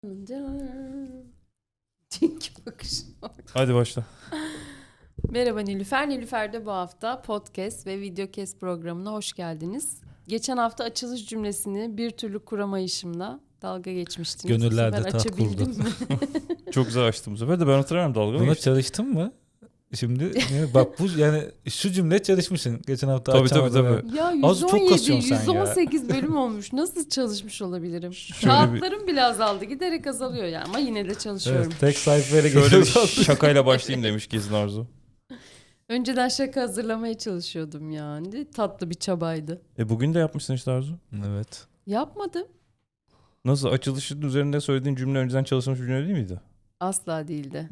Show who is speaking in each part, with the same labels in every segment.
Speaker 1: Çünkü bakışım var.
Speaker 2: Hadi başla.
Speaker 1: Merhaba Nilüfer. Nilüfer'de bu hafta podcast ve videocast programına hoş geldiniz. Geçen hafta açılış cümlesini bir türlü kuramayışımla dalga geçmiştiniz.
Speaker 3: Gönüllerde
Speaker 1: Bu sefer
Speaker 3: taht
Speaker 1: açabildim
Speaker 3: kurdu.
Speaker 1: mi?
Speaker 2: Çok güzel açtım bu sefer de ben hatırlamıyorum dalga mı
Speaker 3: Buna
Speaker 2: geçtim?
Speaker 3: çalıştın mı? Şimdi bak bu yani şu cümle çalışmışsın. Geçen hafta
Speaker 2: Tabii,
Speaker 3: açamadım.
Speaker 2: tabii.
Speaker 1: Ya
Speaker 3: Az çok
Speaker 1: 117,
Speaker 3: kasıyorsun sen ya.
Speaker 1: 118 bölüm olmuş. Nasıl çalışmış olabilirim?
Speaker 2: Şöyle
Speaker 1: Kağıtlarım bile azaldı. Giderek azalıyor ya ama yine de çalışıyorum.
Speaker 3: Evet, tek sayfaya
Speaker 2: Şöyle bir
Speaker 3: geçiyoruz.
Speaker 2: şakayla başlayayım demiş Gezin Arzu.
Speaker 1: Önceden şaka hazırlamaya çalışıyordum yani. Tatlı bir çabaydı.
Speaker 2: Bugün de yapmışsın işte Arzu.
Speaker 3: Evet.
Speaker 1: Yapmadım.
Speaker 2: Nasıl açılışın üzerinde söylediğin cümle önceden çalışılmış bir cümle değil miydi?
Speaker 1: Asla değildi.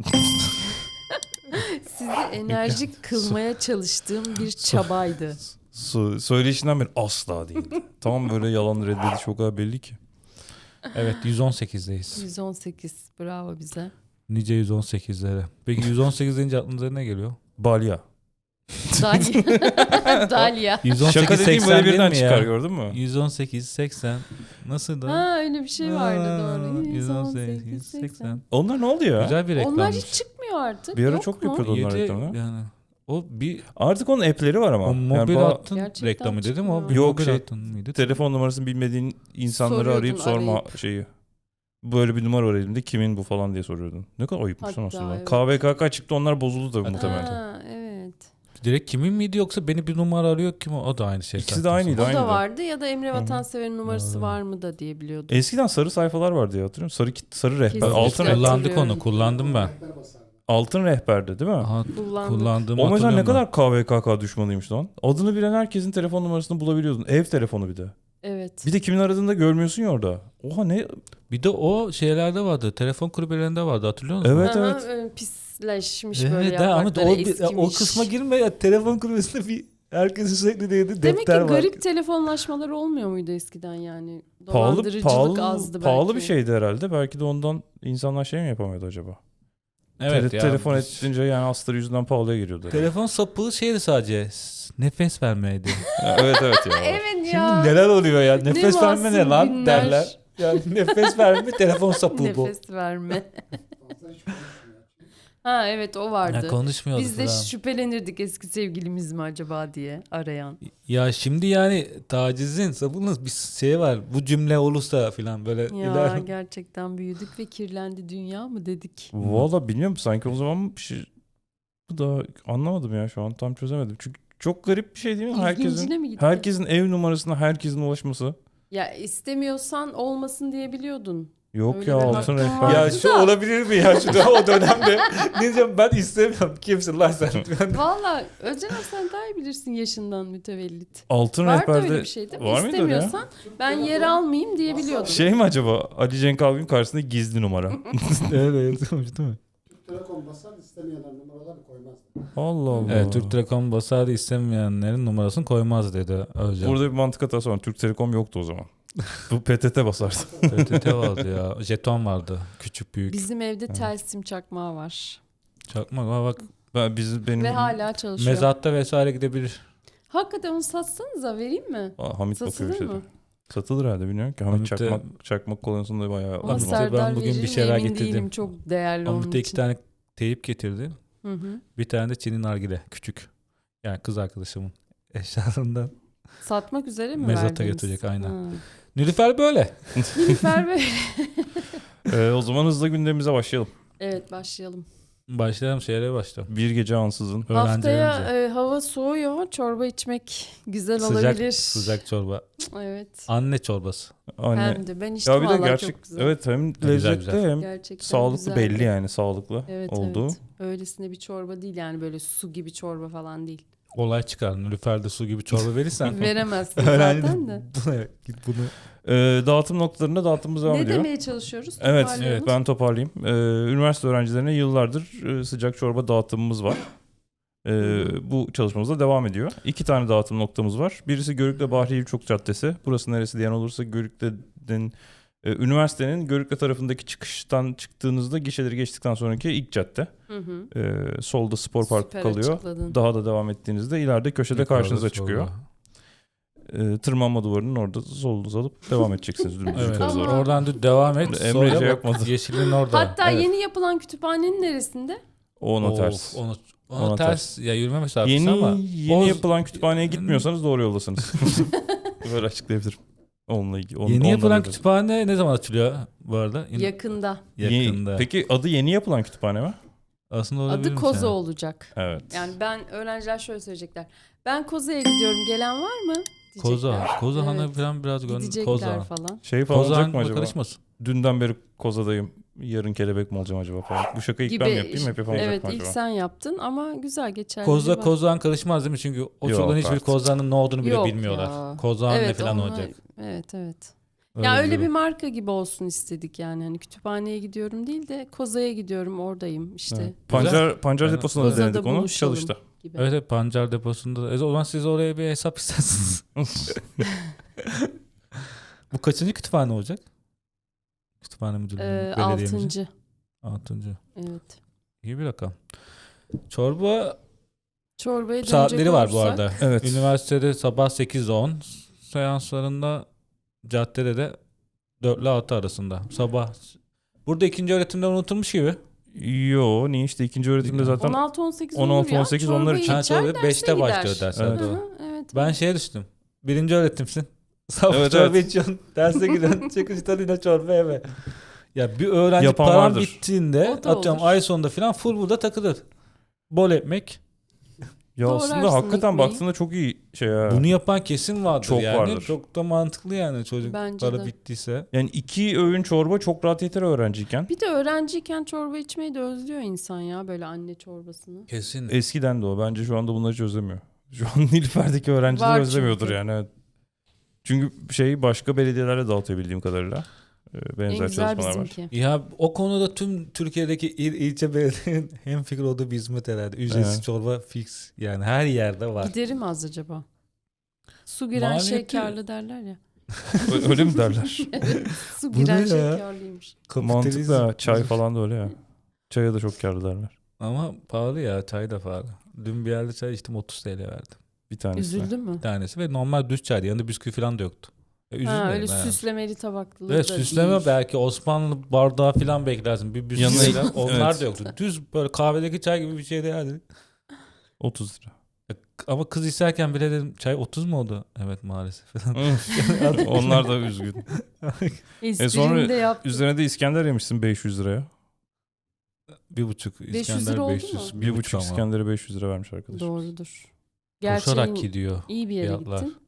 Speaker 1: Sizi enerjik kılmaya çalıştığım bir çabaydı.
Speaker 2: Söyleyişinden beri asla değildi. Tamam böyle yalan reddediş o kadar belli ki.
Speaker 3: Evet 118'deyiz.
Speaker 1: 118. Bravo bize.
Speaker 3: Nice 118'lere. Peki 118 deyince aklınıza ne geliyor?
Speaker 2: Balya.
Speaker 1: Dalya. Dalya.
Speaker 3: 118
Speaker 2: Şaka dediğim
Speaker 3: 80
Speaker 2: böyle
Speaker 3: değil
Speaker 2: birden
Speaker 3: mi
Speaker 2: çıkar
Speaker 3: ya?
Speaker 2: gördün mü?
Speaker 3: 118 80 nasıl da?
Speaker 1: Ha öyle bir şey vardı doğru.
Speaker 3: 118 80.
Speaker 2: Onlar ne oldu ya?
Speaker 3: Güzel bir reklammış.
Speaker 1: Onlar hiç çıkmıyor artık.
Speaker 2: Bir ara
Speaker 1: Yok
Speaker 2: çok
Speaker 1: mu?
Speaker 2: yapıyordu onlar
Speaker 3: Yedi-
Speaker 2: reklamını.
Speaker 3: yani o bir
Speaker 2: Artık onun app'leri var ama.
Speaker 3: o mobil
Speaker 2: Yani
Speaker 3: hattın
Speaker 1: Gerçekten
Speaker 3: reklamı dedim o
Speaker 1: çıkmıyor.
Speaker 3: bir
Speaker 2: Yok,
Speaker 3: mobil
Speaker 2: şey,
Speaker 3: hattın mıydı?
Speaker 2: telefon numarasını bilmediğin insanları
Speaker 1: Soruyordun,
Speaker 2: arayıp sorma
Speaker 1: arayıp.
Speaker 2: şeyi. Böyle bir numara var elimde kimin bu falan diye soruyordun. Ne kadar ayıpmış lan
Speaker 1: Hatta
Speaker 2: aslında.
Speaker 1: evet.
Speaker 2: KVKK çıktı onlar bozuldu tabii muhtemelen.
Speaker 1: Ha, evet.
Speaker 3: Direkt kimin miydi yoksa beni bir numara arıyor kim o da aynı şey.
Speaker 2: İkisi de
Speaker 3: zaten.
Speaker 2: aynıydı.
Speaker 1: O
Speaker 2: Aynı
Speaker 1: da
Speaker 2: da.
Speaker 1: vardı ya da Emre Vatansever'in numarası
Speaker 3: Hı.
Speaker 1: var mı da diye biliyordum.
Speaker 2: Eskiden sarı sayfalar vardı ya hatırlıyor musun? Sarı rehber.
Speaker 1: Kesinlikle.
Speaker 2: Altın rehber.
Speaker 3: Kullandık
Speaker 1: Hatırlıyorum.
Speaker 3: onu kullandım ben.
Speaker 2: Altın rehberdi değil mi?
Speaker 3: Aha,
Speaker 1: Kullandık.
Speaker 3: kullandığımı
Speaker 2: O mesela ne
Speaker 3: hatırlıyorum
Speaker 2: kadar KVKK düşmanıymış lan. Adını bilen herkesin telefon numarasını bulabiliyordun. Ev telefonu bir de.
Speaker 1: Evet.
Speaker 2: Bir de kimin aradığını da görmüyorsun ya orada. Oha ne?
Speaker 3: ben. Bir de o şeylerde vardı. Telefon kulübelerinde vardı hatırlıyor musun?
Speaker 2: Evet,
Speaker 1: Aha,
Speaker 2: evet.
Speaker 1: öyle pisleşmiş böyle
Speaker 3: Evet ama
Speaker 1: yaprakları
Speaker 3: o,
Speaker 1: eskimiş.
Speaker 3: o kısma girme ya. Telefon kulübesinde bir herkesin sürekli değdi
Speaker 1: Demek ki
Speaker 3: defter var.
Speaker 1: garip telefonlaşmalar olmuyor muydu eskiden yani?
Speaker 2: Pahalı,
Speaker 1: Dolandırıcılık azdı belki.
Speaker 2: pahalı bir şeydi herhalde. Belki de ondan insanlar şey mi yapamıyordu acaba?
Speaker 3: Evet ya.
Speaker 2: Telefon edince yani astarı yüzünden pahalıya geliyordu.
Speaker 3: Telefon sapığı şeydi sadece. Nefes vermeydi.
Speaker 2: Evet evet ya.
Speaker 1: Evet
Speaker 3: Şimdi
Speaker 1: ya.
Speaker 3: neler oluyor ya? Nefes verme ne
Speaker 1: masum
Speaker 3: lan
Speaker 1: günler.
Speaker 3: derler. Yani nefes verme telefon sapığı bu.
Speaker 1: Nefes verme. Ha evet o vardı.
Speaker 3: Ya konuşmuyordu
Speaker 1: Biz de
Speaker 3: falan.
Speaker 1: şüphelenirdik eski sevgilimiz mi acaba diye arayan.
Speaker 3: Ya şimdi yani tacizin sapının bir şey var. Bu cümle olursa falan böyle
Speaker 1: Ya gerçekten büyüdük ve kirlendi dünya mı dedik.
Speaker 2: Valla bilmiyorum sanki o zaman bir şey... Bu da anlamadım ya şu an tam çözemedim. Çünkü çok garip bir şey değil mi?
Speaker 1: İlgincine mi gitti?
Speaker 2: Herkesin ev numarasına herkesin ulaşması.
Speaker 1: Ya istemiyorsan olmasın diyebiliyordun.
Speaker 2: Yok
Speaker 1: Öyle
Speaker 2: ya
Speaker 1: bir
Speaker 2: altın
Speaker 1: hakkın
Speaker 2: rehber.
Speaker 1: vardı.
Speaker 3: Ya şu olabilir mi ya şu o dönemde? Ne diyeceğim ben istemiyorum. Kimsin lan sen?
Speaker 1: Valla Özcan abi sen daha iyi bilirsin yaşından mütevellit.
Speaker 2: Altın
Speaker 1: Vardı
Speaker 2: rehberde
Speaker 1: öyle bir şey değil mi?
Speaker 2: var mıydı öyle ya?
Speaker 1: İstemiyorsan ben yer almayayım diyebiliyordun.
Speaker 2: Şey mi acaba Ali Cenk Algün karşısında gizli numara.
Speaker 3: Evet yazılmış değil mi?
Speaker 4: Telekom basar istemeyenler numaraları koymazdı.
Speaker 2: Allah Allah.
Speaker 3: Evet Türk Telekom basardı istemeyenlerin numarasını koymaz dedi Özcan.
Speaker 2: Burada bir mantık hatası var. Türk Telekom yoktu o zaman. Bu PTT basardı.
Speaker 3: PTT vardı ya. Jeton vardı. Küçük büyük.
Speaker 1: Bizim evde Telsim çakmağı var.
Speaker 3: Çakmak ama bak
Speaker 2: Benim
Speaker 1: Ve hala çalışıyor.
Speaker 3: mezatta vesaire gidebilir.
Speaker 1: Hakikaten onu satsanıza vereyim mi?
Speaker 2: Hamit bakıyor
Speaker 1: Satılır
Speaker 2: bir şeyde.
Speaker 1: mı?
Speaker 2: Satılır herhalde bilmiyorum ki. Hamit
Speaker 3: Hamit'te-
Speaker 2: çakmak konusunda bayağı
Speaker 1: Ama
Speaker 3: Hamit'e
Speaker 2: uzman.
Speaker 1: Serdar
Speaker 3: ben bugün bir
Speaker 1: verir mi
Speaker 3: şeyler
Speaker 1: emin
Speaker 3: getirdim.
Speaker 1: değilim. Çok değerli onun
Speaker 3: Hamit'te 2
Speaker 1: için.
Speaker 3: tane teyip getirdi.
Speaker 1: Hı hı.
Speaker 3: Bir tane de Çin'in nargile. Küçük. Yani kız arkadaşımın eşyalarından.
Speaker 1: Satmak üzere mi
Speaker 3: Mezata
Speaker 1: verdiniz?
Speaker 3: götürecek, aynen.
Speaker 1: Ha.
Speaker 3: Nilüfer böyle.
Speaker 1: Nilüfer Bey.
Speaker 2: O zaman hızlı gündemimize başlayalım.
Speaker 1: Evet başlayalım.
Speaker 3: Başlayalım şehre başla.
Speaker 2: Bir gece ansızın.
Speaker 1: Haftaya
Speaker 3: Öğrencilerimize.
Speaker 1: hava soğuyor. Çorba içmek güzel
Speaker 3: Sıcak,
Speaker 1: olabilir.
Speaker 3: sıcak çorba.
Speaker 1: Evet.
Speaker 3: Anne çorbası.
Speaker 2: Anne.
Speaker 1: Hem de ben içtim
Speaker 2: Ya bir de
Speaker 1: vallahi
Speaker 2: gerçek
Speaker 1: çok güzel.
Speaker 2: evet hem
Speaker 3: Güzel,
Speaker 2: lezzetli
Speaker 3: güzel.
Speaker 2: hem
Speaker 1: Gerçekten
Speaker 2: sağlıklı
Speaker 1: güzeldi.
Speaker 2: belli yani sağlıklı
Speaker 1: Evet
Speaker 2: olduğu.
Speaker 1: evet. Öylesine bir çorba değil yani böyle su gibi çorba falan değil.
Speaker 3: Olay çıkar. Nilüfer'de su gibi çorba verirsen.
Speaker 1: Veremezsin
Speaker 3: Öğrenci
Speaker 1: zaten de.
Speaker 3: Bu ne? Git bunu.
Speaker 2: Dağıtım noktalarında dağıtımımız devam
Speaker 1: Ne
Speaker 2: ediyor.
Speaker 1: demeye çalışıyoruz?
Speaker 2: Evet,
Speaker 1: Toparlayalım.
Speaker 2: evet ben toparlayayım. Üniversite öğrencilerine yıllardır sıcak çorba dağıtımımız var. Bu çalışmamız da devam ediyor. 2 tane dağıtım noktamız var. Birisi Görükle Bahri Yivçok Caddesi. Burası neresi diyen olursa Görükle'nin üniversitenin Görükle tarafındaki çıkıştan çıktığınızda gişeleri geçtikten sonraki ilk cadde.
Speaker 1: Hı hı.
Speaker 2: Solda spor parkı
Speaker 1: Süper
Speaker 2: kalıyor.
Speaker 1: açıkladın.
Speaker 2: Daha da devam ettiğinizde ileride köşede karşınıza çıkıyor. tırmanma duvarının orada solunuzu alıp devam edeceksiniz dümdüz
Speaker 3: Evet.
Speaker 2: yukarı doğru.
Speaker 1: Ama-
Speaker 3: Oradan devam et.
Speaker 2: Emre
Speaker 3: Sonra
Speaker 2: şey
Speaker 3: bak,
Speaker 2: yapmadı.
Speaker 3: yeşilin orada.
Speaker 1: Hatta
Speaker 3: Evet.
Speaker 1: yeni yapılan kütüphanenin neresinde?
Speaker 2: O ona
Speaker 3: Of,
Speaker 2: ters.
Speaker 3: Ona
Speaker 2: Ona
Speaker 3: ters. Ya yürüme mesafesi
Speaker 2: Yeni
Speaker 3: ama.
Speaker 2: yeni
Speaker 3: o-
Speaker 2: yapılan kütüphaneye gitmiyorsanız doğru yoldasınız. Böyle açıklayabilirim. Onunla ilgili.
Speaker 3: Yeni
Speaker 2: ondan
Speaker 3: yapılan
Speaker 2: öyle.
Speaker 3: kütüphane ne zaman açılıyor bu arada?
Speaker 1: Yakında.
Speaker 3: Yakında.
Speaker 2: Peki adı yeni yapılan kütüphane mi?
Speaker 3: Aslında olabilir
Speaker 1: Adı
Speaker 3: mi
Speaker 1: Koza
Speaker 3: yani?
Speaker 1: olacak.
Speaker 2: Evet.
Speaker 1: Yani öğrenciler şöyle söyleyecekler. Ben Koza'ya gidiyorum. Gelen var mı? Diyecekler.
Speaker 3: Koza. Koza Han'a
Speaker 1: Evet.
Speaker 3: falan biraz
Speaker 1: Gidecekler
Speaker 3: Koza.
Speaker 1: falan.
Speaker 2: Şey falan olacak mı
Speaker 3: Koza
Speaker 2: acaba?
Speaker 3: karışmasın.
Speaker 2: Dünden beri kozadayım. Yarın kelebek mi olacağım acaba falan. Bu şakayı ilk ben mi yapayım hep yapamayacak
Speaker 1: Evet
Speaker 2: mı
Speaker 1: ilk
Speaker 2: acaba?
Speaker 1: sen yaptın ama güzel geçerli.
Speaker 3: Koza Koza'nın karışmaz değil mi? Çünkü o
Speaker 2: Yok
Speaker 3: çocukların hiçbir
Speaker 2: artık.
Speaker 3: Koza'nın ne olduğunu bile
Speaker 1: Yok
Speaker 3: bilmiyorlar.
Speaker 1: ya.
Speaker 3: Koza ne
Speaker 1: Evet,
Speaker 3: falan
Speaker 1: onlar-
Speaker 3: olacak.
Speaker 1: Evet.
Speaker 3: Öyle
Speaker 1: Ya öyle bir
Speaker 3: durum.
Speaker 1: marka gibi olsun istedik yani. Hani kütüphaneye gidiyorum değil de Koza'ya gidiyorum oradayım işte
Speaker 2: Evet. Pancar
Speaker 3: Yani
Speaker 2: deposunda da
Speaker 1: Koza'da
Speaker 2: denedik onu.
Speaker 1: buluşalım.
Speaker 2: Çalıştı.
Speaker 1: gibi.
Speaker 3: Evet, evet, pancar deposunda. O zaman siz oraya bir hesap istersiniz. Bu kaçıncı kütüphane olacak? Kütüphane müdürlüğü, belediyemizin.
Speaker 1: Altıncı.
Speaker 3: 6.
Speaker 1: Evet.
Speaker 3: İyi bir rakam. Çorba
Speaker 1: Çorbaya dönecek
Speaker 3: saatleri var bu
Speaker 1: olursak-
Speaker 3: arada.
Speaker 2: Evet.
Speaker 3: Üniversitede sabah 8-10, seanslarında caddede de 4 ile 6 arasında. Sabah. Burada ikinci öğretimden unutulmuş gibi.
Speaker 2: Yo niye işte ikinci öğretimde zaten
Speaker 1: 16-18 olur
Speaker 2: 16-18
Speaker 1: ya.
Speaker 2: onlar
Speaker 1: Çorbayı
Speaker 2: için.
Speaker 3: Ha,
Speaker 1: içer,
Speaker 3: çorba
Speaker 1: derse
Speaker 3: 5'te
Speaker 1: gider.
Speaker 3: başlıyor dersler,
Speaker 2: Evet.
Speaker 3: doğru.
Speaker 1: Hı hı, evet.
Speaker 3: Ben şeye düştüm. Birinci öğretimsin. Sabah
Speaker 2: Evet,
Speaker 3: çorba
Speaker 2: evet.
Speaker 3: içiyorsun. Derse gidiyorsun. Çıkışta yine çorba yeme. Ya bir öğrenci
Speaker 2: Yapan
Speaker 3: param
Speaker 2: vardır.
Speaker 3: bittiğinde
Speaker 1: O da
Speaker 3: atıyorum
Speaker 1: olur.
Speaker 3: ay sonunda falan full burada takılır. Bol ekmek.
Speaker 2: Ya
Speaker 1: Doğrarsın
Speaker 2: aslında hakikaten
Speaker 1: ekmeği.
Speaker 2: baktığında çok iyi şey ya.
Speaker 3: Bunu yapan kesin vardır
Speaker 2: Çok
Speaker 3: yani.
Speaker 2: vardır.
Speaker 3: Çok da mantıklı yani çocuk
Speaker 1: Bence
Speaker 3: para
Speaker 1: de.
Speaker 3: bittiyse.
Speaker 2: Yani 2 öğün çorba çok rahat yeter öğrenciyken.
Speaker 1: Bir de öğrenciyken çorba içmeyi de özlüyor insan ya böyle anne çorbasını.
Speaker 3: Kesin.
Speaker 2: Eskiden de o. Bence şu anda bunları hiç özlemiyor. Şu an Nilüfer'deki öğrenciler
Speaker 1: Var
Speaker 2: özlemiyordur
Speaker 1: çünkü.
Speaker 2: yani. Evet. Çünkü başka belediyelerle dağıtıyor bildiğim kadarıyla.
Speaker 1: En
Speaker 2: Benzer
Speaker 1: güzel
Speaker 2: çalışmalar var.
Speaker 1: bizimki.
Speaker 3: Ya o konuda tüm Türkiye'deki ilçe belediyenin hemfikir olduğu bir hizmet herhalde. Ücretsiz
Speaker 2: Evet.
Speaker 3: çorba fix. Yani her yerde var.
Speaker 1: Giderim az acaba. Su giren
Speaker 3: Maliyeti-
Speaker 1: şey karlı derler ya.
Speaker 2: Öyle mi derler?
Speaker 1: Su
Speaker 3: Bu
Speaker 1: giren
Speaker 3: ne
Speaker 1: şey
Speaker 3: ya?
Speaker 1: karlıymış.
Speaker 2: Mantıklı ha. Çay falan da öyle ya. Çaya da çok karlı derler.
Speaker 3: Ama pahalı ya, çay da pahalı. Dün bir yerde çay içtim, 30 TL verdim.
Speaker 2: Bir tanesi.
Speaker 1: Üzüldün mü?
Speaker 3: Bir tanesi ve normal düz çaydı. Yanında bisküvi falan da yoktu. Üzülmedim
Speaker 1: Ha, öyle
Speaker 3: yani.
Speaker 1: süslemeli tabaklı
Speaker 3: Evet,
Speaker 1: da
Speaker 3: süsleme
Speaker 1: değil.
Speaker 3: belki Osmanlı bardağı falan beklersin. Bir
Speaker 2: Yanına-
Speaker 3: bisküvi falan. Onlar
Speaker 2: Evet.
Speaker 3: da yoktu. Düz böyle kahvedeki çay gibi bir şeydi yani.
Speaker 2: 30 lira.
Speaker 3: Ama kız isterken bile dedim çay 30 mu oldu? Evet maalesef.
Speaker 2: Onlar da üzgün.
Speaker 1: Esprini
Speaker 2: sonra
Speaker 1: de yaptı.
Speaker 2: Üzerine de İskender yemişsin 500 liraya.
Speaker 3: 1,5
Speaker 1: 500
Speaker 3: İskender
Speaker 1: lira oldu
Speaker 3: 500.
Speaker 1: mu?
Speaker 2: 1,5
Speaker 3: ama.
Speaker 2: İskender'e 500 lira vermiş arkadaş.
Speaker 1: Doğrudur.
Speaker 3: Koşarak
Speaker 1: Gerçi
Speaker 3: gidiyor.
Speaker 1: iyi bir yere
Speaker 3: fiyatlar.
Speaker 1: gittin.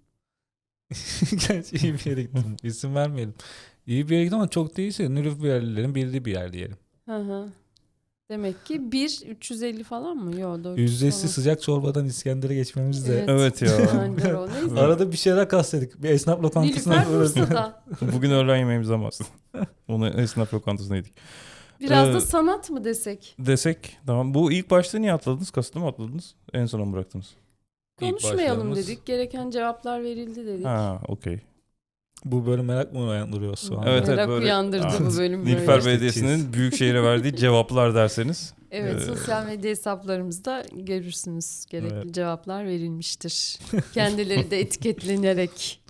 Speaker 3: Gerçi iyi bir yere gittim. İsim vermeyelim. İyi bir yere gittim ama çok değilse Nilüferlilerin bildiği bir yer diyelim.
Speaker 1: Hı hı. Demek ki 350 falan mı? Yok 400
Speaker 3: Ücretsiz
Speaker 1: falan.
Speaker 3: sıcak çorbadan İskender'e geçmemiz de.
Speaker 1: Evet.
Speaker 2: Evet ya.
Speaker 1: Aynen o. Neyse.
Speaker 3: Arada bir şeyler kastledik. Bir esnaf lokantasına
Speaker 1: Nilüfer
Speaker 3: uğradık.
Speaker 1: Bursa'da.
Speaker 2: Bugün öğlen yemeğimizi ama onu esnaf lokantasına yedik.
Speaker 1: Biraz
Speaker 2: Ee,
Speaker 1: da sanat mı desek?
Speaker 2: Desek tamam. Bu ilk başta niye atladınız? Kasıtlı mı atladınız? En sona mı bıraktınız?
Speaker 1: Konuşmayalım
Speaker 3: başlarımız-
Speaker 1: dedik. Gereken cevaplar verildi dedik.
Speaker 2: Ha okey.
Speaker 3: Bu böyle merak mı uyandırıyor şu an?
Speaker 2: Evet,
Speaker 1: Merak
Speaker 2: böyle-
Speaker 1: uyandırdı
Speaker 2: Aa,
Speaker 1: bu bölüm
Speaker 2: Nilüfer
Speaker 1: böyle.
Speaker 3: İşte
Speaker 2: Belediyesi'nin Büyükşehir'e verdiği cevaplar derseniz.
Speaker 1: Evet,
Speaker 2: Ee,
Speaker 1: sosyal medya hesaplarımızda görürsünüz. Gerekli
Speaker 3: Evet.
Speaker 1: cevaplar verilmiştir. Kendileri de etiketlenerek.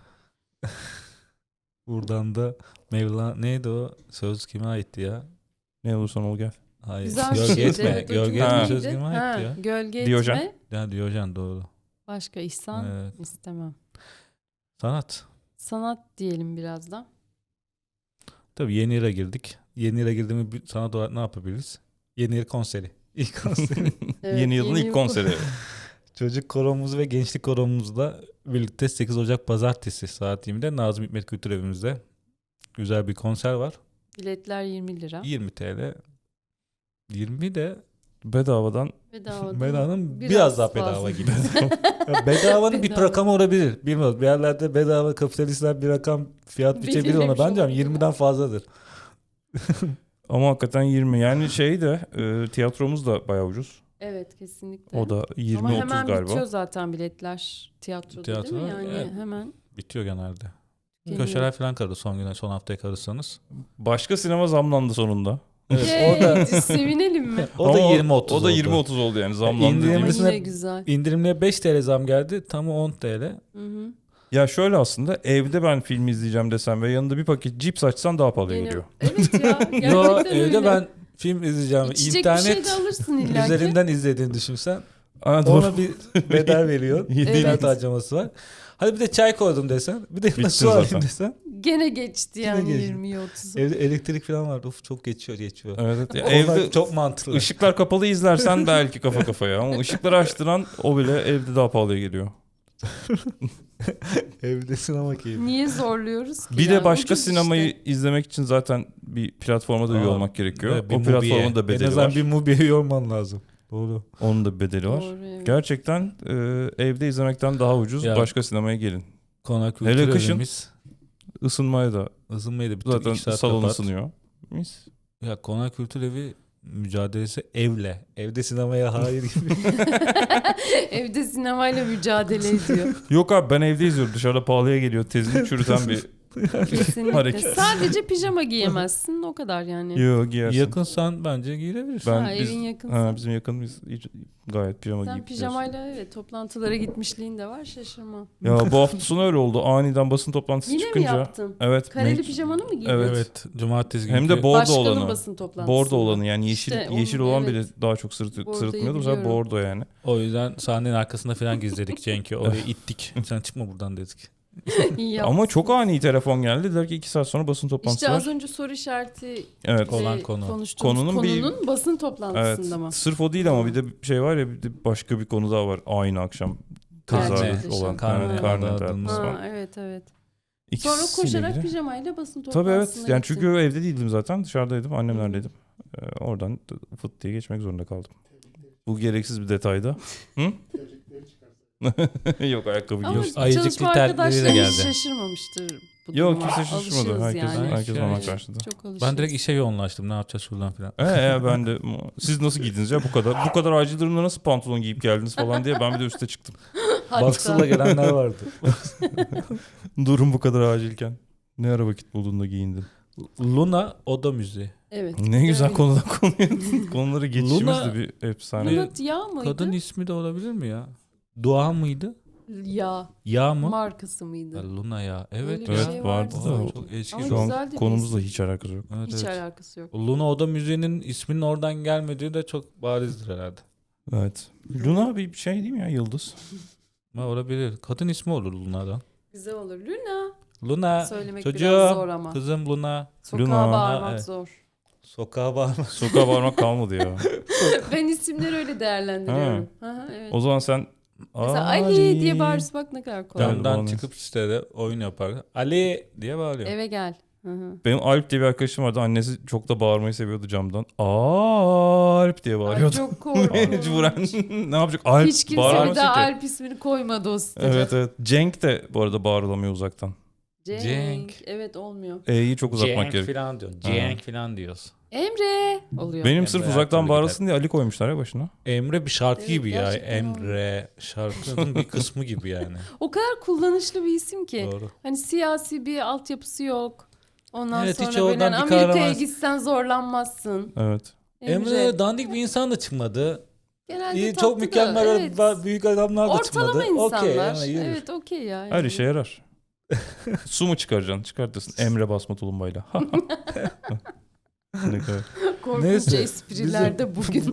Speaker 3: Buradan da Mevlana neydi o? Söz kime aitti ya?
Speaker 2: Ne olursan ol gel.
Speaker 3: Hayır.
Speaker 1: Güzel bir
Speaker 3: Gölge
Speaker 1: şeydi.
Speaker 3: etme.
Speaker 1: Evet, o
Speaker 3: Gölge
Speaker 1: çok
Speaker 3: etme
Speaker 2: Ha.
Speaker 3: söz
Speaker 1: iyiydi.
Speaker 3: kime
Speaker 1: Ha,
Speaker 3: aitti ya?
Speaker 1: Gölge
Speaker 2: Diyojen.
Speaker 1: etme.
Speaker 3: Ya Diyojen doğru.
Speaker 1: Başka ihsan
Speaker 3: Evet.
Speaker 1: istemem.
Speaker 3: Sanat.
Speaker 1: Sanat diyelim biraz da.
Speaker 3: Tabii yeni yıla girdik. Yeni yıla girdiğimiz bir sanat olarak ne yapabiliriz? Yeni yıl konseri. İlk konseri.
Speaker 1: Evet,
Speaker 2: Yeni yılın ilk
Speaker 1: yıl-
Speaker 2: konseri.
Speaker 3: Çocuk koromuz ve gençlik koromuzla birlikte 8 Ocak Pazartesi saat 20'de Nazım Hikmet Kültür Evimizde güzel bir konser var.
Speaker 1: Biletler 20 lira.
Speaker 3: 20 TL. 20 de
Speaker 2: Bedavadan
Speaker 3: bedavanın biraz daha bedava
Speaker 1: fazla.
Speaker 3: gibi. Ya bedavanın bir
Speaker 1: Bedava.
Speaker 3: rakamı olabilir. Bilmiyorum. Bir yerlerde bedava kapitalistler bir rakam fiyat biçebilir ona.
Speaker 1: Belirlemiş
Speaker 3: Bence
Speaker 1: olabilir.
Speaker 3: 20'den fazladır.
Speaker 2: ama hakikaten 20. Yani tiyatromuz da bayağı ucuz.
Speaker 1: Evet, kesinlikle.
Speaker 2: O da
Speaker 1: Ama
Speaker 2: 20-30
Speaker 1: hemen
Speaker 2: galiba.
Speaker 1: bitiyor zaten biletler tiyatroda
Speaker 3: Tiyatro,
Speaker 1: değil mi? Yani
Speaker 3: evet.
Speaker 1: hemen
Speaker 3: Bitiyor genelde.
Speaker 1: geliyor.
Speaker 3: Köşeler falan kalır son güne, son haftaya kalırsanız.
Speaker 2: Başka sinema zamlandı sonunda.
Speaker 3: Evet,
Speaker 1: Yay,
Speaker 3: o da
Speaker 1: sevinelim mi?
Speaker 3: o da
Speaker 2: Ama
Speaker 3: 20-30
Speaker 2: O da
Speaker 3: oldu.
Speaker 2: 20-30 oldu yani zamlandı.
Speaker 3: İndirimli-
Speaker 1: Ama
Speaker 2: dediğimiz.
Speaker 3: Kendisine-
Speaker 1: yine güzel.
Speaker 3: İndirimliye 5 TL zam geldi. Tamı 10 TL.
Speaker 1: Hı hı.
Speaker 2: Ya şöyle aslında evde ben film izleyeceğim desem ve yanında bir paket cips açsan daha pahalıya
Speaker 1: Yine-
Speaker 2: geliyor.
Speaker 1: Evet ya. Gerçekten
Speaker 3: Yo,
Speaker 1: öyle.
Speaker 3: evde ben film izleyeceğim.
Speaker 1: İçecek bir şey
Speaker 3: İnternet
Speaker 1: de alırsın illa ki.
Speaker 3: üzerinden izlediğini düşünsen
Speaker 2: Aa, doğru.
Speaker 3: ona bir bedel veriyor.
Speaker 2: Evet.
Speaker 3: İnternet harcaması var. Hadi bir de çay koydum desen. Bir de yanına
Speaker 2: Bittin
Speaker 3: su alayım
Speaker 2: zaten.
Speaker 3: desen.
Speaker 1: Gene geçti
Speaker 3: Yine
Speaker 1: yani
Speaker 3: geçti.
Speaker 1: 20'yi 30'u.
Speaker 3: Evde elektrik falan vardı. Of çok geçiyor.
Speaker 2: Evet, evet. Ya
Speaker 3: Onlar
Speaker 2: evde
Speaker 3: çok mantıklı.
Speaker 2: ışıklar kapalı izlersen belki kafa kafaya ama ışıkları açtıran o bile evde daha pahalıya geliyor.
Speaker 3: Evde sinema keyfi.
Speaker 1: Niye zorluyoruz ki?
Speaker 2: Bir
Speaker 1: yani?
Speaker 2: de başka
Speaker 1: Ucuz
Speaker 2: sinemayı
Speaker 1: işte.
Speaker 2: izlemek için zaten bir platforma da üye
Speaker 3: Aa,
Speaker 2: olmak gerekiyor.
Speaker 3: Evet, bir
Speaker 2: O platformun da
Speaker 3: En
Speaker 2: bedeli
Speaker 3: azından
Speaker 2: var.
Speaker 3: bir Mubi'ye yorman lazım. Doğru.
Speaker 2: Onun da bir bedeli var.
Speaker 1: Doğru, evet.
Speaker 2: Gerçekten evde izlemekten daha ucuz.
Speaker 3: Ya.
Speaker 2: Başka sinemaya gelin.
Speaker 3: Konak
Speaker 2: Hele
Speaker 3: kültür
Speaker 2: kışın
Speaker 3: evimiz.
Speaker 2: Isınmaya da
Speaker 3: Isınmayı da bir
Speaker 2: zaten
Speaker 3: iki saat
Speaker 2: salon
Speaker 3: kapat.
Speaker 2: ısınıyor. Mis.
Speaker 3: Ya konak kültür evi mücadelesi evle. Evde sinemaya hayır gibi.
Speaker 1: Evde sinemayla mücadele ediyor.
Speaker 2: Yok abi ben evde izliyorum. Dışarıda pahalıya geliyor. Tezini çürüten bir
Speaker 1: Kesinlikle.
Speaker 2: Hareket.
Speaker 1: Sadece pijama giyemezsin o kadar yani.
Speaker 2: Yok giyersin.
Speaker 3: Yakınsan bence giyilebilirsin.
Speaker 2: Ben
Speaker 1: Ha,
Speaker 2: biz,
Speaker 1: evin yakınsa.
Speaker 2: bizim yakınımız gayet pijama
Speaker 1: Sen
Speaker 2: giyip gidiyoruz.
Speaker 1: pijamayla evet toplantılara gitmişliğin de var şaşırmam.
Speaker 2: Ya bu hafta sonu öyle oldu. Aniden basın toplantısı
Speaker 1: Yine mi
Speaker 2: çıkınca.
Speaker 1: yaptın?
Speaker 2: Evet.
Speaker 1: Kareli
Speaker 2: mec-
Speaker 1: pijamanı mı giydin?
Speaker 2: Evet.
Speaker 3: Evet. Cumartesi
Speaker 2: Hem de
Speaker 3: günkü-
Speaker 2: bordo
Speaker 1: Başkanın
Speaker 2: olanı.
Speaker 1: basın toplantısı.
Speaker 2: Bordo olanı yani yeşil
Speaker 1: İşte
Speaker 2: yeşil
Speaker 1: onu,
Speaker 2: olan
Speaker 1: evet.
Speaker 2: bile daha çok
Speaker 1: Bordoyu
Speaker 2: sırıtmıyordu. Bu sefer
Speaker 1: biliyorum.
Speaker 2: bordo yani.
Speaker 3: O yüzden sahnenin arkasında falan gizledik Cenk'i. Oraya ittik. Sen çıkma buradan dedik.
Speaker 1: İyi
Speaker 2: Ama
Speaker 1: yapmışsın.
Speaker 2: çok ani telefon geldi. Dediler ki 2 saat sonra basın toplantısı
Speaker 1: İşte
Speaker 2: var.
Speaker 1: az önce soru işareti
Speaker 2: Evet.
Speaker 3: Olan
Speaker 1: ve
Speaker 3: konu.
Speaker 1: konuştuğumuz
Speaker 2: Konunun
Speaker 1: konunun basın
Speaker 2: Evet.
Speaker 1: toplantısında mı?
Speaker 2: Sırf o değil ama bir de bir şey var ya bir de başka bir konu daha var. Aynı akşam tesadüf
Speaker 1: Gerçekleşen.
Speaker 2: olan.
Speaker 3: Karne
Speaker 2: Evet, karne
Speaker 3: adadığımız
Speaker 2: dağıtması
Speaker 1: Ha,
Speaker 2: var.
Speaker 1: evet evet.
Speaker 2: İkisiyle
Speaker 1: Sonra koşarak
Speaker 2: ilgili.
Speaker 1: pijamayla basın
Speaker 2: Tabii
Speaker 1: toplantısına
Speaker 2: evet. Yani
Speaker 1: gittin.
Speaker 2: çünkü evde değildim zaten. Dışarıdaydım. Annemlerdeydim. Oradan fıt diye geçmek zorunda kaldım. Bu gereksiz bir detayda.
Speaker 4: Tebrikleri çıkarsın.
Speaker 2: Yok ayakkabı
Speaker 1: Ama
Speaker 2: giyiyorsun.
Speaker 3: Ayıcıklı
Speaker 1: çalışma
Speaker 3: terlikleriyle
Speaker 1: arkadaşlarım
Speaker 3: geldi.
Speaker 1: hiç şaşırmamıştır. Bu
Speaker 2: Yok
Speaker 1: duruma.
Speaker 2: kimse şaşırmadı.
Speaker 1: Alışığız
Speaker 2: Herkes,
Speaker 1: yani.
Speaker 2: herkes
Speaker 3: Evet.
Speaker 2: normal karşıladı.
Speaker 1: Çok alışırız.
Speaker 3: Ben direkt işe yoğunlaştım. Ne yapacağız şuradan falan.
Speaker 2: Ben de siz nasıl giydiniz ya bu kadar acil durumda nasıl pantolon giyip geldiniz falan diye ben bir de üste çıktım.
Speaker 1: Hatta
Speaker 3: Baksırla gelenler vardı.
Speaker 2: Durum bu kadar acilken. Ne ara vakit buldun da giyindin.
Speaker 3: Luna Oda Müziği.
Speaker 1: evet.
Speaker 2: Ne güzel
Speaker 1: Evet.
Speaker 2: konudan konuya. Konuları geçişimiz
Speaker 3: Luna-
Speaker 2: de bir efsane.
Speaker 3: Bir-
Speaker 1: Luna ya mıydı?
Speaker 3: Kadın ismi de olabilir mi ya? Dua mıydı?
Speaker 1: Ya.
Speaker 3: Ya mı?
Speaker 1: Markası mıydı?
Speaker 3: Ya Luna ya. Evet
Speaker 1: Öyle bir
Speaker 3: ya.
Speaker 2: Evet
Speaker 1: şey
Speaker 2: vardı
Speaker 1: vardı
Speaker 2: da
Speaker 1: sanki.
Speaker 3: Çok eski.
Speaker 1: Ama
Speaker 2: şu
Speaker 1: güzel
Speaker 2: an
Speaker 1: de bir
Speaker 2: konumuzla
Speaker 1: isim.
Speaker 2: hiç alakası yok.
Speaker 3: Evet,
Speaker 1: Hiç
Speaker 3: evet.
Speaker 1: alakası yok.
Speaker 3: Luna Oda Müziği'nin isminin oradan gelmediği de çok barizdir herhalde.
Speaker 2: Evet. Luna bir şey değil mi ya yıldız?
Speaker 3: Ama olabilir. Kadın ismi olur Luna'dan.
Speaker 1: Güzel olur. Luna.
Speaker 3: Luna.
Speaker 1: Söylemek
Speaker 3: çocuğum,
Speaker 1: biraz zor ama.
Speaker 3: Kızım Luna.
Speaker 1: Sokağa
Speaker 2: Luna.
Speaker 1: bağırmak
Speaker 3: Ha, evet.
Speaker 1: zor.
Speaker 3: Sokağa bağırma.
Speaker 2: Sokağa varmak kalmadı ya.
Speaker 1: Ben isimleri öyle değerlendiriyorum. Aha, evet.
Speaker 2: O zaman sen
Speaker 1: Mesela Ali diye bağırırsa bak ne kadar kolay.
Speaker 2: Yani
Speaker 3: Camdan
Speaker 2: bana-
Speaker 3: çıkıp sitede oyun yapar. Ali diye bağırıyor.
Speaker 1: Eve gel. Hı hı.
Speaker 2: Benim Alp diye bir arkadaşım vardı. Annesi çok da bağırmayı seviyordu camdan. Alp diye
Speaker 1: Ay,
Speaker 2: bağırıyordu.
Speaker 1: çok korkunç.
Speaker 2: Mecburen ne yapacak? Alp
Speaker 1: Hiç kimse
Speaker 2: bağıramaz
Speaker 1: bir daha
Speaker 2: ki.
Speaker 1: Alp ismini koymadı o sitede.
Speaker 2: Evet evet. Cenk de bu arada bağırılamıyor uzaktan.
Speaker 1: Cenk.
Speaker 3: Cenk.
Speaker 1: Evet olmuyor.
Speaker 2: E'yi çok uzatmak
Speaker 3: Cenk
Speaker 2: gerekiyor.
Speaker 3: falan diyor. Cenk falan diyoruz.
Speaker 1: Emre oluyor.
Speaker 2: Benim
Speaker 3: Emre
Speaker 2: sırf
Speaker 3: her
Speaker 2: uzaktan
Speaker 3: türlü
Speaker 2: bağırılsın diye Ali koymuşlar ya başına.
Speaker 3: Emre bir şarkı
Speaker 1: Evet,
Speaker 3: gibi ya.
Speaker 1: gerçekten
Speaker 3: Emre şarkının bir kısmı gibi yani.
Speaker 1: O kadar kullanışlı bir isim ki.
Speaker 3: Doğru.
Speaker 1: Hani siyasi bir altyapısı yok. Ondan
Speaker 3: Evet, hiç
Speaker 1: sonra böyle
Speaker 3: oradan
Speaker 1: hani
Speaker 3: bir
Speaker 1: Amerika'ya
Speaker 3: kahraman-
Speaker 1: gitsen zorlanmazsın.
Speaker 2: Evet.
Speaker 3: Emre dandik bir insan da çıkmadı.
Speaker 1: Genelde
Speaker 3: İyi,
Speaker 1: tatlı
Speaker 3: çok
Speaker 1: da,
Speaker 3: mükemmel
Speaker 1: evet.
Speaker 3: büyük adamlar da çıkmadı.
Speaker 1: Ortalama insanlar.
Speaker 3: Okey, yani yürür.
Speaker 1: Evet okey ya.
Speaker 2: Her
Speaker 1: yani.
Speaker 2: işe yarar. Su mu çıkaracaksın? Çıkartırsın. Emre basma tulumbayla. Ne kadar.
Speaker 1: Korkunç
Speaker 3: Neyse,
Speaker 1: espriler de bugün.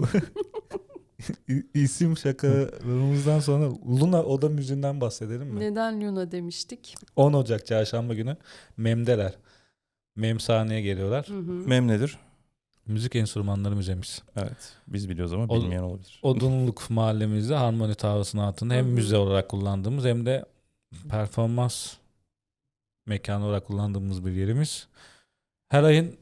Speaker 3: İsim şakalarımızdan sonra Luna Oda Müziği'nden bahsedelim mi?
Speaker 1: Neden Luna demiştik?
Speaker 3: 10 Ocak çarşamba günü Mem'deler. Mem sahneye geliyorlar.
Speaker 1: Hı hı.
Speaker 2: Mem nedir?
Speaker 3: Müzik enstrümanları müzemiz.
Speaker 2: Evet. Biz biliyoruz ama
Speaker 3: O-
Speaker 2: bilmeyen olabilir.
Speaker 3: Odunluk mahallemizde Harmoni Tavası'nın altında hem
Speaker 1: Hı hı.
Speaker 3: müze olarak kullandığımız hem de performans mekanı olarak kullandığımız bir yerimiz. Her ayın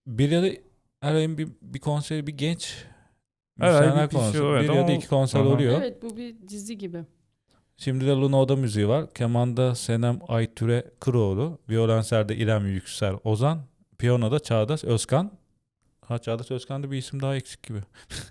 Speaker 3: bir konseri bir genç
Speaker 2: Her ay
Speaker 3: müzisyenler
Speaker 2: bir şey
Speaker 3: konseri.
Speaker 2: oluyor,
Speaker 3: Bir ya da
Speaker 2: ama-
Speaker 3: iki konser
Speaker 2: Aha.
Speaker 3: oluyor.
Speaker 1: Evet bu bir dizi gibi.
Speaker 3: Şimdi de Luna Oda Müziği var. Kemanda Senem Aytüre Kıroğlu. Violenserde İrem Yüksel Ozan. Piyanoda Çağdaş Özkan. Çağdaş Özkan'da bir isim daha eksik gibi.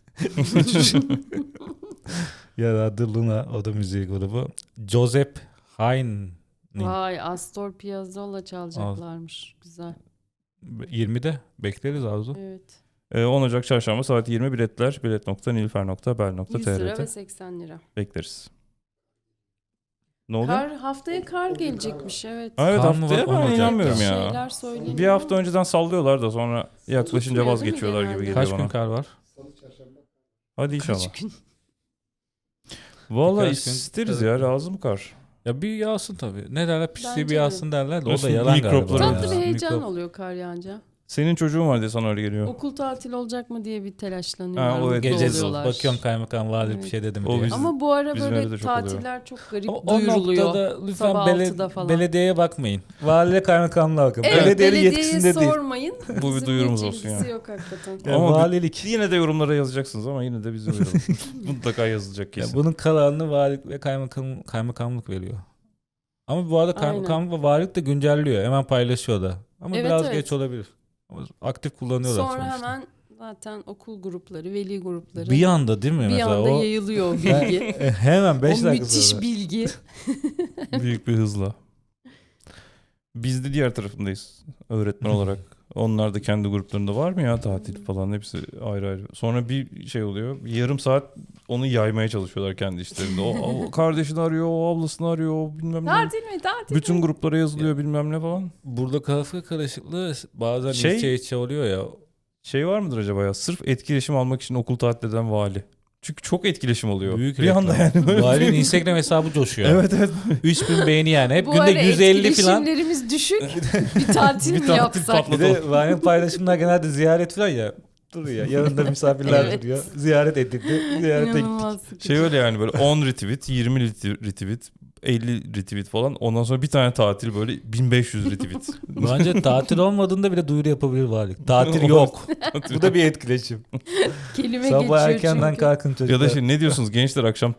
Speaker 3: Yaradı Luna Oda Müziği grubu. Joseph Hain
Speaker 1: Vay Astor Piazzolla çalacaklarmış. Güzel.
Speaker 3: 20'de bekleriz Arzu.
Speaker 1: Evet.
Speaker 2: 10 Ocak çarşamba saat 20 biletler
Speaker 1: 100 lira ve
Speaker 2: bilet.nilüfer.bel.tr'de
Speaker 1: 80 lira.
Speaker 2: bekleriz. Ne oluyor?
Speaker 1: Haftaya kar gelecekmiş, evet.
Speaker 2: Evet,
Speaker 3: Kar mı
Speaker 2: haftaya
Speaker 3: var?
Speaker 2: ben
Speaker 3: Onu
Speaker 2: inanmıyorum
Speaker 3: diyeceğim.
Speaker 2: ya.
Speaker 1: Şeyler söyleniyor.
Speaker 2: Bir hafta önceden sallıyorlar da sonra yaklaşınca
Speaker 1: Tutmuyor değil mi
Speaker 2: vazgeçiyorlar gibi
Speaker 1: genelde?
Speaker 2: geliyor
Speaker 3: Kaç
Speaker 2: bana.
Speaker 3: gün kar var?
Speaker 4: Salı, çarşamba.
Speaker 2: Hadi inşallah.
Speaker 1: Kaç gün?
Speaker 2: Vallahi
Speaker 3: Birkaç gün-
Speaker 2: isteriz
Speaker 3: evet.
Speaker 2: ya, lazım kar.
Speaker 3: Ya bir yağsın tabii. Ne derler? Pisliği
Speaker 1: Bence
Speaker 3: bir
Speaker 1: de.
Speaker 3: yağsın derler de o da
Speaker 2: Üstün
Speaker 3: yalan galiba.
Speaker 2: mikropları.
Speaker 3: ya.
Speaker 1: Tatlı bir heyecan
Speaker 3: Mikrop-
Speaker 1: oluyor kar yağınca.
Speaker 2: Senin çocuğun var diye sana öyle geliyor.
Speaker 1: Okul tatil olacak mı diye bir telaşlanıyorlar.
Speaker 2: Ha, o evet,
Speaker 1: mutlu
Speaker 3: Gece
Speaker 1: oluyorlar.
Speaker 3: bakıyorum kaymakam vali
Speaker 1: Evet.
Speaker 3: bir şey dedim
Speaker 2: O
Speaker 3: diye.
Speaker 2: biz-
Speaker 1: Ama bu ara
Speaker 2: bizim evde
Speaker 1: böyle
Speaker 2: de çok oluyor.
Speaker 1: tatiller çok garip
Speaker 3: Ama o
Speaker 1: duyuruluyor.
Speaker 3: noktada lütfen
Speaker 1: Sabah 6'da falan.
Speaker 3: belediyeye bakmayın. Valiyle kaymakamlığa bakın.
Speaker 1: Evet,
Speaker 3: Belediyenin
Speaker 1: belediyeye
Speaker 3: yetkisinde değil.
Speaker 1: sormayın.
Speaker 2: Bu bir
Speaker 1: Bizim
Speaker 2: duyurumuz
Speaker 1: hiç
Speaker 2: olsun ya.
Speaker 1: ilgisi yok hakikaten.
Speaker 3: Yani
Speaker 2: Ama
Speaker 3: valilik.
Speaker 2: Yine de yorumlara yazacaksınız ama yine de bizim uyaralım. Mutlaka yazılacak
Speaker 3: Ya
Speaker 2: kesin.
Speaker 3: bunun kararını valilik ve kaymakamlık veriyor. Ama bu arada kaymakamlık ve valilik de güncelliyor. Hemen paylaşıyor da. Ama
Speaker 1: Evet,
Speaker 3: biraz
Speaker 1: evet.
Speaker 3: geç olabilir. Ama aktif kullanıyorlar
Speaker 1: Sonra
Speaker 3: sonuçta.
Speaker 1: hemen zaten okul grupları, veli grupları.
Speaker 3: Bir anda değil mi
Speaker 1: bir
Speaker 3: mesela
Speaker 1: anda
Speaker 3: o?
Speaker 1: yayılıyor o bilgi.
Speaker 3: Hemen 5
Speaker 1: o
Speaker 3: dakika
Speaker 1: müthiş
Speaker 3: sonra.
Speaker 1: bilgi.
Speaker 2: Büyük bir hızla. Biz de diğer tarafındayız öğretmen olarak. Onlar da kendi gruplarında var mı ya tatil falan, hepsi ayrı ayrı. Sonra bir şey oluyor. Bir yarım saat onu yaymaya çalışıyorlar kendi işlerinde. O kardeşini arıyor, o ablasını arıyor, o bilmem ne.
Speaker 1: Tatil mi? Tatil
Speaker 2: Bütün
Speaker 1: mi?
Speaker 2: gruplara yazılıyor bilmem ne falan.
Speaker 3: Burada kafa karışıklığı bazen
Speaker 2: Şey-
Speaker 3: içe içe oluyor ya.
Speaker 2: Şey var mıdır acaba ya? Sırf etkileşim almak için okul tatil eden vali. Çünkü çok etkileşim oluyor.
Speaker 3: Büyük
Speaker 2: bir anda
Speaker 3: reklam.
Speaker 2: yani. Böyle
Speaker 3: Valinin Instagram hesabı coşuyor.
Speaker 2: Evet evet.
Speaker 3: 3000 beğeni yani. Hep
Speaker 1: Bu
Speaker 3: günde
Speaker 1: ara
Speaker 3: 150 falan.
Speaker 1: etkileşimlerimiz düşük. Bir tatil
Speaker 2: Bir
Speaker 1: mi
Speaker 2: tatil
Speaker 1: yapsak?
Speaker 2: patladı.
Speaker 3: Bir de valinin paylaşımlar genelde ziyaret falan ya. Dur ya yanında misafirler
Speaker 1: Evet.
Speaker 3: duruyor. Ziyaret edildi. Ziyarete gittik.
Speaker 1: İnanılmaz sıkıcı.
Speaker 2: Şey öyle yani, böyle 10 retweet, 20 retweet, 50 retweet falan. Ondan sonra bir tane tatil böyle 1500 retweet.
Speaker 3: Bence tatil olmadığında bile duyuru yapabilir valilik. Tatil yok. Bu da bir etkileşim.
Speaker 1: Kelime
Speaker 3: Sabah
Speaker 1: geçiyor
Speaker 3: erkenden
Speaker 1: çünkü.
Speaker 3: kalkın çocuklar.
Speaker 2: Ya da şey, ne diyorsunuz gençler, akşam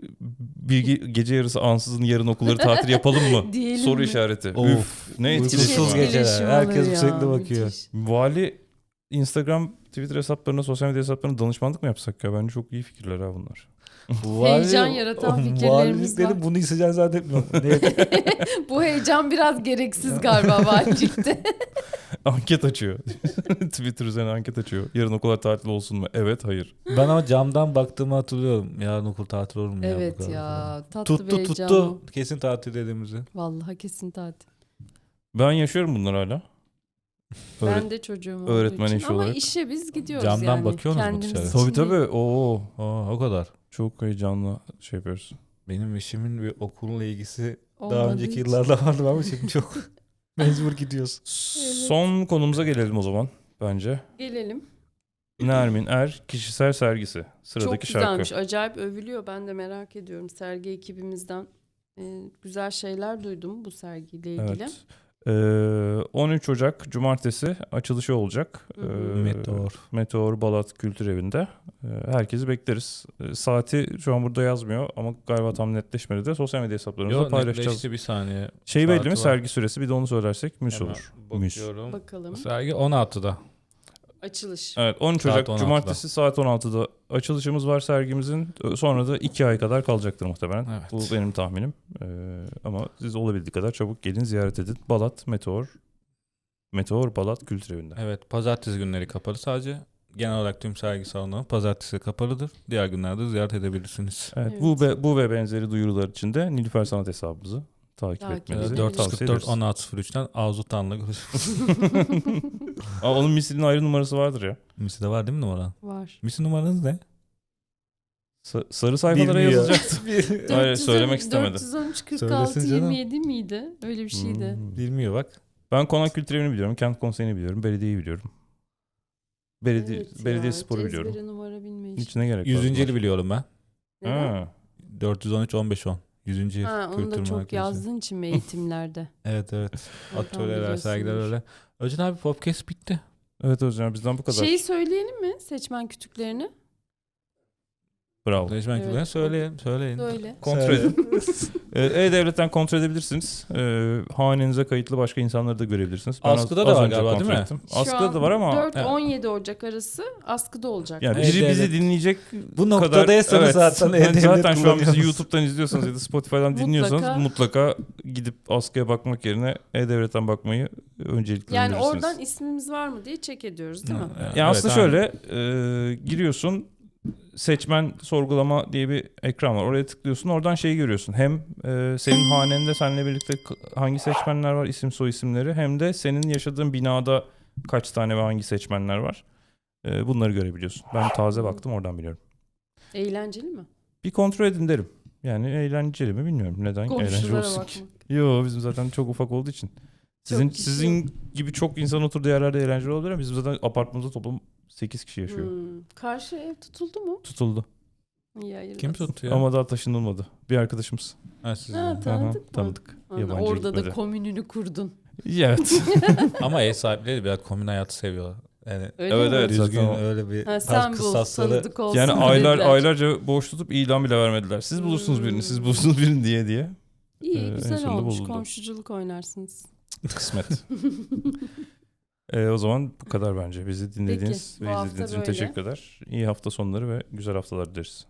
Speaker 2: gece yarısı ansızın yarın okulları tatil yapalım mı?
Speaker 1: Diyelim
Speaker 2: Soru
Speaker 1: mi?
Speaker 2: işareti.
Speaker 3: Of.
Speaker 2: Üf, ne
Speaker 1: Müthiş
Speaker 2: etkileşim
Speaker 3: Uykusuz
Speaker 2: var.
Speaker 3: geceler.
Speaker 1: etkileşim
Speaker 3: Herkes
Speaker 1: oluyor
Speaker 3: sürekli
Speaker 1: ya,
Speaker 3: bakıyor.
Speaker 1: müthiş.
Speaker 2: Vali Instagram, Twitter hesaplarına, sosyal medya hesaplarına danışmanlık mı yapsak ya? Bence çok iyi fikirler ha bunlar.
Speaker 1: Heyecan yaratan fikirlerimiz
Speaker 3: valiliklerin
Speaker 1: var.
Speaker 3: bunu hissedeceğini zannetmiyorum.
Speaker 1: Bu heyecan biraz gereksiz galiba valilikte.
Speaker 2: Anket açıyor. Twitter üzerine anket açıyor. Yarın okullar tatil olsun mu? Evet, hayır.
Speaker 3: Ben ama camdan baktığımı hatırlıyorum. Yarın okul tatil olur mu ya? bu
Speaker 1: Evet
Speaker 3: kadar
Speaker 1: ya,
Speaker 3: falan.
Speaker 1: tatlı bir
Speaker 3: Tuttu
Speaker 1: heyecan
Speaker 3: tuttu.
Speaker 1: o.
Speaker 3: Kesin tatil dediğimizi.
Speaker 1: Vallahi kesin tatil.
Speaker 2: Ben yaşıyorum bunları hala.
Speaker 1: Ben de çocuğum olduğu
Speaker 2: öğretmen
Speaker 1: için.
Speaker 2: eşi
Speaker 1: Ama
Speaker 2: olarak.
Speaker 1: işe biz gidiyoruz
Speaker 3: Camdan
Speaker 1: yani.
Speaker 3: bakıyorsunuz mu
Speaker 1: Kendimiz
Speaker 3: dışarı?
Speaker 1: için
Speaker 2: Tabii tabii.
Speaker 1: değil.
Speaker 2: Oo,
Speaker 3: O kadar.
Speaker 2: çok heyecanlı şey yapıyoruz.
Speaker 3: Benim eşimin bir okulla ilgisi daha
Speaker 1: Olmadığı
Speaker 3: önceki
Speaker 1: için.
Speaker 3: yıllarda vardı ama şimdi çok mecbur gidiyoruz.
Speaker 2: Son konumuza gelelim o zaman bence.
Speaker 1: Gelelim.
Speaker 2: Nermin Er kişisel sergisi.
Speaker 1: Çok
Speaker 2: Sıradaki şarkı.
Speaker 1: güzelmiş. Acayip övülüyor. Ben de merak ediyorum. Sergi ekibimizden güzel şeyler duydum bu sergiyle ilgili.
Speaker 2: Evet. 13 Ocak Cumartesi açılışı olacak.
Speaker 1: Hı hı.
Speaker 2: Meteor Balat Kültür Evi'nde. Herkesi bekleriz. Saati şu an burada yazmıyor ama galiba tam netleşmedi de sosyal medya hesaplarımızda
Speaker 3: Yok
Speaker 2: paylaşacağız.
Speaker 3: netleşti bir saniye.
Speaker 2: Şey belli
Speaker 3: Saati
Speaker 2: mi?
Speaker 3: var.
Speaker 2: Sergi süresi, bir de onu söylersek müs
Speaker 3: Hemen
Speaker 2: olur. Müs.
Speaker 3: bakıyorum.
Speaker 1: Bakalım.
Speaker 3: Sergi 16'da.
Speaker 1: Açılış.
Speaker 2: Evet, 13
Speaker 3: Saat
Speaker 2: Ocak
Speaker 3: 16'da.
Speaker 2: Cumartesi saat 16'da açılışımız var sergimizin. Sonra da 2 ay kadar kalacaktır muhtemelen.
Speaker 3: Evet.
Speaker 2: Bu benim tahminim. Ama siz olabildiği kadar çabuk gelin, ziyaret edin. Balat Meteor Balat Kültür Evi'nde.
Speaker 3: Evet pazartesi günleri kapalı sadece. Genel olarak tüm sergi salonları pazartesi kapalıdır. Diğer günlerde ziyaret edebilirsiniz.
Speaker 2: Evet,
Speaker 1: Evet.
Speaker 2: bu ve benzeri duyurular için de Nilüfer Sanat hesabımızı takip
Speaker 1: Takip
Speaker 2: etmenizi
Speaker 1: edelim.
Speaker 2: tavsiye
Speaker 3: 444
Speaker 2: ederiz.
Speaker 3: 1603'ten Arzu Tan'la görüşürüz.
Speaker 2: Aa, onun misilin ayrı numarası vardır ya.
Speaker 3: Misi'de var değil mi numaran?
Speaker 1: Var.
Speaker 3: Misi numaranız ne?
Speaker 2: Sarı sayfalara
Speaker 3: Bilmiyor.
Speaker 2: yazılacaktı. Hayır, söylemek istemedi.
Speaker 1: 413 46
Speaker 3: Söylesin canım.
Speaker 1: 27 miydi? Öyle bir şeydi.
Speaker 3: Bilmiyor bak.
Speaker 2: Ben Konak Kültür Evi'ni biliyorum, Kent Konseyi'ni biliyorum, belediyeyi biliyorum.
Speaker 1: Evet
Speaker 2: Belediye
Speaker 1: ya,
Speaker 2: sporu
Speaker 1: hiç
Speaker 2: biliyorum.
Speaker 1: ezbere numara bilmeyiş.
Speaker 2: Hiç ne gerek var?
Speaker 3: 100. yılı
Speaker 2: bunlar?
Speaker 3: biliyorum ben.
Speaker 1: Neden?
Speaker 2: Ha.
Speaker 3: 413 15 10. 100. yıl
Speaker 1: Ha, onu
Speaker 3: kültür
Speaker 1: da çok
Speaker 3: merkezi.
Speaker 1: yazdığın için mi eğitimlerde?
Speaker 3: Evet evet.
Speaker 1: Oradan
Speaker 3: Atölyeler, sergiler
Speaker 1: biliyorsundur.
Speaker 3: öyle. Özcan abi podcast bitti.
Speaker 2: Evet hocam, bizden bu kadar.
Speaker 1: Şeyi söyleyelim mi? Seçmen kütüklerini.
Speaker 2: Bravo.
Speaker 3: Değişmen
Speaker 1: Evet.
Speaker 3: evet. Söyleyin.
Speaker 1: Böyle.
Speaker 2: Kontrol edin. E-Devlet'ten kontrol edebilirsiniz. Hanenize kayıtlı başka insanları da görebilirsiniz. Ben
Speaker 3: Askıda da var
Speaker 2: önce
Speaker 3: galiba,
Speaker 2: kontrol
Speaker 3: değil mi?
Speaker 2: ettim.
Speaker 1: Şu
Speaker 2: Askıda
Speaker 1: an
Speaker 2: da var ama
Speaker 1: 4-17 Ocak arası askıda olacak.
Speaker 2: yani
Speaker 3: Evet,
Speaker 2: biri bizi
Speaker 3: evet.
Speaker 2: dinleyecek
Speaker 3: Bu noktadaysanız
Speaker 2: kadar,
Speaker 3: zaten
Speaker 2: evet,
Speaker 3: E-Devlet
Speaker 2: zaten şu an bizi
Speaker 3: kullanıyorsunuz.
Speaker 2: YouTube'dan izliyorsanız ya da Spotify'dan dinliyorsanız mutlaka gidip askıya bakmak yerine E-Devlet'ten bakmayı öncelikle
Speaker 1: Yani
Speaker 2: önerirsiniz.
Speaker 1: oradan ismimiz var mı diye check ediyoruz değil mi?
Speaker 2: Ya aslında
Speaker 3: aynen.
Speaker 2: şöyle giriyorsun, seçmen sorgulama diye bir ekran var. Oraya tıklıyorsun. Oradan şeyi görüyorsun. Hem senin hanende seninle birlikte hangi seçmenler var, isim soy isimleri, hem de senin yaşadığın binada kaç tane ve hangi seçmenler var. Bunları görebiliyorsun. Ben taze baktım, oradan biliyorum.
Speaker 1: Eğlenceli mi?
Speaker 2: Bir kontrol edin derim. Yani eğlenceli mi bilmiyorum. Neden eğlenceli
Speaker 1: Komşulara
Speaker 2: olsun
Speaker 1: bakmak.
Speaker 2: ki? Yo, bizim zaten çok ufak olduğu için. Sizin
Speaker 1: kişi
Speaker 2: sizin gibi çok insan oturduğu yerlerde eğlenceli olabilir ama bizim zaten apartmanımızda toplam 8 kişi yaşıyor.
Speaker 1: Karşı ev tutuldu mu?
Speaker 2: Tutuldu.
Speaker 1: İyi, hayırlısı.
Speaker 3: Kim tuttu ya?
Speaker 2: Ama daha taşınılmadı. Bir arkadaşımız.
Speaker 3: Ha, siz
Speaker 1: Ha,
Speaker 3: yani.
Speaker 1: tanıdık mı?
Speaker 2: Tanıdık.
Speaker 1: Ana,
Speaker 2: Yabancı
Speaker 1: orada da
Speaker 2: gitmedi.
Speaker 1: komününü kurdun.
Speaker 2: Evet.
Speaker 3: Ama ev sahipleri biraz komün hayatı seviyorlar. Yani
Speaker 1: Öyle
Speaker 2: Evet,
Speaker 1: mi?
Speaker 2: evet.
Speaker 3: düzgün
Speaker 2: zaten o.
Speaker 3: öyle bir
Speaker 1: Ha,
Speaker 3: tarz
Speaker 1: sen bul,
Speaker 3: kıstasları.
Speaker 1: tanıdık olsun
Speaker 2: Yani
Speaker 1: dediler.
Speaker 2: aylarca boş tutup ilan bile vermediler. Siz bulursunuz birini, siz bulursunuz birini diye.
Speaker 1: İyi,
Speaker 2: en
Speaker 1: güzel
Speaker 2: sonunda
Speaker 1: olmuş.
Speaker 2: bulundu.
Speaker 1: Komşuculuk oynarsınız.
Speaker 2: Kısmet. O zaman bu kadar bence. Bizi dinlediğiniz
Speaker 1: Peki, bu
Speaker 2: ve
Speaker 1: hafta
Speaker 2: izlediğiniz için
Speaker 1: böyle.
Speaker 2: teşekkürler. İyi hafta sonları ve güzel haftalar dileriz.